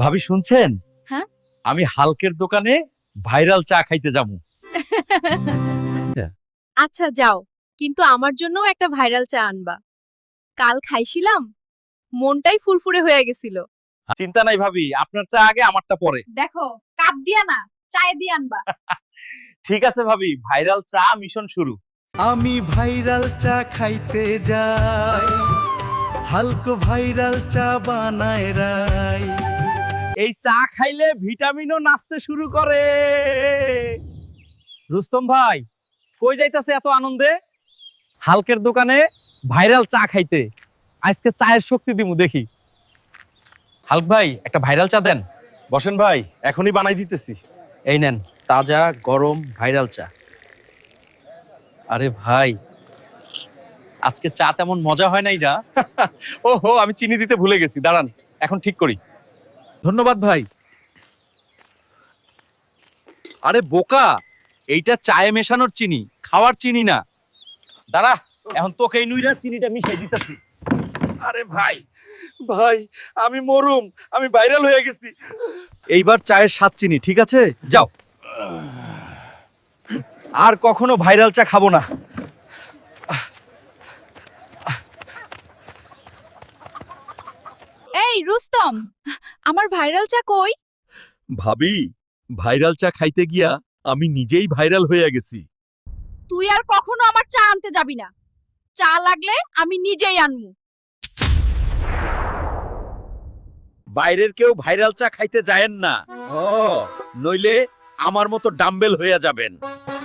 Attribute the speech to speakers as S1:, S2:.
S1: ভাবি শুনছেন?
S2: হ্যাঁ?
S1: আমি হালকের দোকানে ভাইরাল চা খাইতে যাবো।
S2: আচ্ছা যাও, কিন্তু আমার জন্যও একটা ভাইরাল চা আনবা। কাল খাইছিলাম, মনটাই ফুরফুরে হয়ে গেছিল।
S1: চিন্তা নাই ভাবি, আপনার চা আগে আমারটা পরে।
S2: দেখো, কাপ দিয়া না, চায়ে দিয়ে আনবা।
S1: ঠিক আছে ভাবি, ভাইরাল চা মিশন শুরু।
S3: আমি ভাইরাল চা খাইতে যাই, হালকো ভাইরাল চা বানায় রাই।
S1: এই চা খাইলে ভিটামিনও নাচতে শুরু করে। রুস্তম ভাই, কই যাইতাছে এত আনন্দে? হালকের দোকানে ভাইরাল চা খাইতে। আজকে চায়ের শক্তি দিমু দেখি। হালক ভাই, একটা ভাইরাল চা দেন।
S4: বসেন ভাই, এখনই বানাই দিতেছি।
S1: এই নেন, তাজা গরম ভাইরাল চা। আরে ভাই, আজকে চা তেমন মজা হয় নাই না। ওহো, আমি চিনি দিতে ভুলে গেছি, দাঁড়ান এখন ঠিক করি।
S3: ধন্যবাদ ভাই।
S1: আরে বোকা, এইটা চায়ে মেশানোর চিনি, খাওয়ার চিনি না। দাঁড়া, এখন তোকে এই নুইরা চিনিটা মিশাই দিতেছি।
S4: আরে ভাই, ভাই আমি মরুম, আমি ভাইরাল হয়ে গেছি।
S1: এইবার চায়ের স্বাদ চিনি, ঠিক আছে? যাও, আর কখনো ভাইরাল চা খাবো না।
S2: এই রুস্তম, আমার ভাইরাল চা কই?
S1: ভাবি, ভাইরাল চা খাইতে গিয়া আমি নিজেই ভাইরাল হয়ে গেছি।
S2: তুই আর কখনো আমার চা আনতে যাবি না। চা লাগলে আমি নিজেই আনমু।
S1: বাইরের কেউ ভাইরাল চা খাইতে যায়েন না, নইলে আমার মতো ডাম্বেল হয়ে যাবেন।